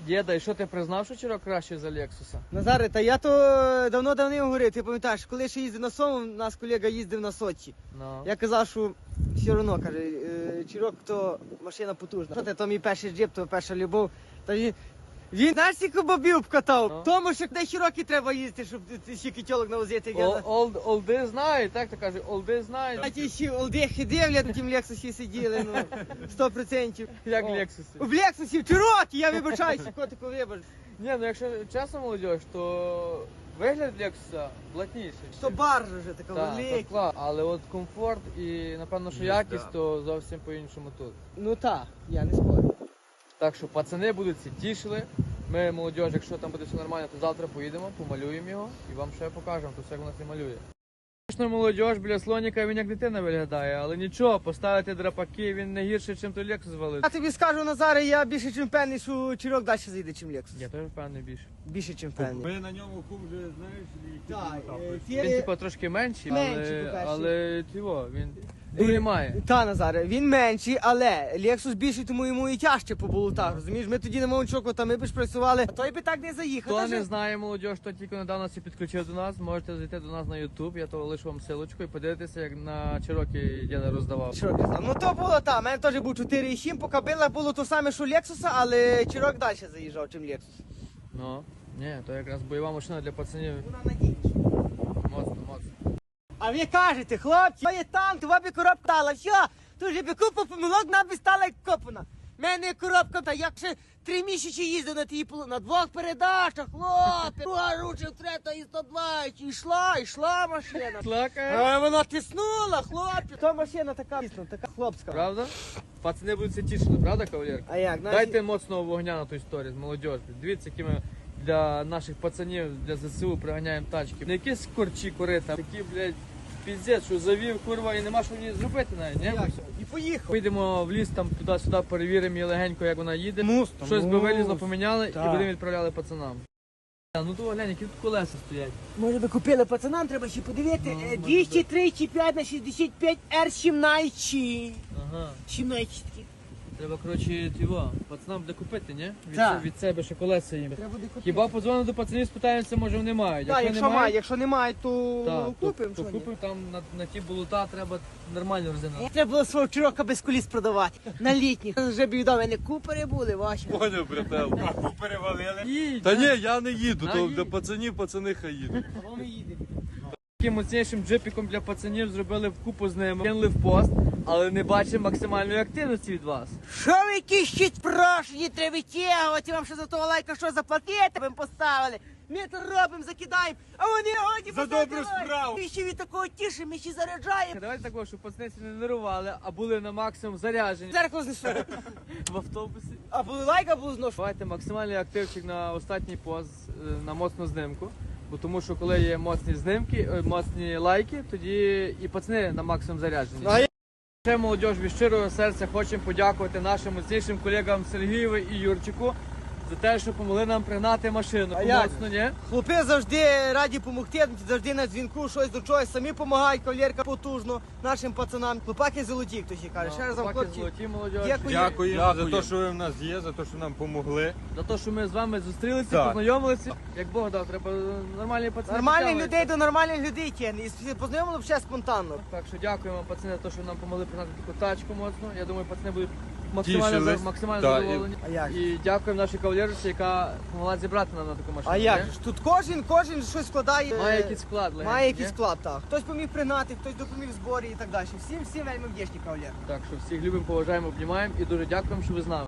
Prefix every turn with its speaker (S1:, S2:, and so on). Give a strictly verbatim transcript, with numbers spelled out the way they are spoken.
S1: Діда, і що ти признав, що Чирок краще за Лексуса?
S2: Назаре, та я то давно-давно говорив, ти пам'ятаєш, коли ще їздив на Сому, у нас колега їздив на Сочі.
S1: Ну.
S2: Я казав, що все одно, каже, е, Чирок то машина потужна. Що ти, то мій перший джип, то перша любов. Та він, він знаєш, скільки бобів вкатав?
S1: Ну.
S2: Тому що де широкі треба їздити, щоб стільки тілок навозити. як я
S1: Ол-
S2: за-
S1: олд- Олди знають, так то каже, олди знають.
S2: А ті ще олдехи дивлять, на тім Лексусі сиділи, ну, сто відсотків.
S1: Як
S2: О.
S1: Лексуси.
S2: В Лексусі, в Чирокі, я вибачаюся, котику вибач.
S1: Ні, ну якщо чесно, молодь, то вигляд Лексуса блатніший.
S2: То баржа вже така
S1: Так,
S2: велика.
S1: так, клас. Але от комфорт і, напевно, що
S3: Їзда.
S1: якість, то зовсім по-іншому тут.
S2: Ну так, я не спорю.
S1: Так що пацани будуть ці тішили. Ми, молодь, якщо там буде все нормально, то завтра поїдемо, помалюємо його і вам ще покажемо, то все як у нас і малює. Звісно, молодь, біля слоніка він як дитина виглядає, але нічого, поставити драпаки, він не гірший, чим той Лексус звалив.
S2: Я тобі скажу, Назаре, я більше чим впевнений, що Чирок далі заїде, чим Лексус.
S1: Я теж впевнений більше.
S2: Більше чим впевнений.
S3: Ми на ньому куб вже, знаєш, які
S2: Так,
S3: там
S2: е,
S3: етапи.
S1: Він
S2: ті-
S1: типу трошки менший,
S2: Менший,
S1: але,
S2: по-перше.
S1: але тіво, він дурі має.
S2: Та, Назаре, він менший, але Лексус більший, тому йому і тяжче по болотах, розумієш? Ми тоді на Мовчоку, та ми б ж працювали, а той би так не заїхав.
S1: Хто
S2: Та
S1: не
S2: же-
S1: знає, молодь, хто тільки недавно всі підключив до нас, можете зайти до нас на YouTube, я то лишу вам силочку і подивитися, як на Чирокі діда роздавав.
S2: Чирок роздав. Ну то було так, у мене теж був чотири сім, по кабелах було то саме, що Лексуса, але Чирок далі заїжджав, чим Лексус.
S1: Ну, ні, то якраз бойова машина для пацанів.
S2: Вона надійніша.
S1: Моцно, моцно.
S2: А ви кажете, хлопці, то є танк, то би коробка стала, все, то вже би купа помилок, нам би стала як копана. У мене коробка, та як ще три місяці їздив на тій полу, на двох передачах, хлопці, друга ручив, третя і сто двадцять, і йшла, йшла машина.
S1: Слакає.
S2: А вона тиснула, хлопці. То машина така, дійсно, така хлопська.
S1: Правда? Пацани будуть це тішити, правда, кавалерка?
S2: А як, знаєш,
S1: Дайте моцного вогня на ту історію з молодіжю. Дивіться, які ми для наших пацанів, для ЗСУ приганяємо тачки. Не якісь корчі корита, такі, блядь, піздець, що завів, курва, і нема що мені зробити навіть, ні?
S2: як? І поїхав.
S1: Поїдемо в ліс, там туди-сюди перевіримо її легенько, як вона їде.
S2: Мус,
S1: Щось би вилізло, поміняли
S2: Так.
S1: і будемо відправляли пацанам. А, ну то глянь, які тут колеса стоять.
S2: Може би купили пацанам, треба ще подивити.
S1: Ну,
S2: Е,
S1: може
S2: двісті тридцять п'ять на шістдесят п'ять ар сімнадцять.
S1: Ага.
S2: сімнадцять.
S1: Треба, коротше, його, пацанам буде купити, ні? Від,
S2: Так.
S1: се- від себе ще колеса їм.
S2: Треба буде купити.
S1: Хіба подзвонимо до пацанів, спитаємося, може вони мають.
S2: Так, якщо
S1: немає,
S2: має, якщо немає, то
S1: так,
S2: купимо.
S1: то,
S2: що
S1: то
S2: ні?
S1: купимо там на, на ті болота, треба нормальну резину.
S2: Треба було свого Чирока без коліс продавати. На літніх. Вже б відомо, не купери були ваші.
S3: Поняв, брател. А перевалили.
S1: Їдь,
S3: Та
S1: да.
S3: ні, я не їду,
S1: На,
S3: то
S1: їдь.
S3: для пацанів пацани хай їдуть.
S2: А ми їдемо.
S1: Таким моцнішим джипіком для пацанів зробили вкупу з ними, кинули в пост, але не бачимо максимальної активності від вас.
S2: Що ви якісь ще прошені, треба витягувати, вам ще за того лайка що заплатити, ви поставили. Ми то робимо, закидаємо, а вони годі
S3: За
S2: поставте
S3: добру
S2: лайк.
S3: справу.
S2: Ми ще від такого тішимо, ми ще заряджаємо.
S1: Давайте такого, щоб пацани не нервували, а були на максимум заряджені
S2: Зеркало знесу.
S1: в автобусі.
S2: А були лайк, а були зношу.
S1: Давайте максимальний активчик на останній пост е, на моцну знимку. Бо тому що коли є моцні знимки, е, моцні лайки, тоді і пацани на максимум заряджені.
S2: А я-
S1: Ще молодь від щирого серця хочемо подякувати нашим моцнішим колегам Сергієву і Юрчику за те, що допомогли нам пригнати машину.
S2: А як?
S1: Моцно, ні?
S2: Хлопці завжди раді допомогти, завжди на дзвінку, щось до чогось, самі допомагають, кавалерка потужно нашим пацанам. Хлопаки золоті, хтось і каже. Ще раз вам,
S1: Хлопаки
S2: хлопці,
S1: золоті, молодь.
S2: дякую.
S3: Дякуємо за те, що ви в нас є, за те, що нам помогли.
S1: За те, що ми з вами зустрілися,
S3: Так.
S1: познайомилися. Як Бог дав, треба нормальні пацани.
S2: Нормальних
S1: підтягуються.
S2: людей до нормальних людей тягне. І познайомили взагалі спонтанно.
S1: Так що дякуємо пацани за те, що нам допомогли пригнати таку тачку моцну. Я думаю, пацани будуть максимально,
S3: Тішились.
S1: за- максимально
S3: Так, і-
S1: задоволені.
S2: А як?
S1: І дякуємо нашій кавалерці, яка допомогла зібрати нам на таку машину.
S2: А як
S1: ні?
S2: ж? Тут кожен, кожен щось складає.
S1: Має
S2: е,
S1: якийсь склад. легенький,
S2: Має
S1: ні?
S2: якийсь склад, так. Хтось поміг пригнати, хтось допоміг в зборі і так далі. Всім, всім вельми вдячні, кавалер.
S1: Так що всіх любимо, поважаємо, обнімаємо і дуже дякуємо, що ви з нами.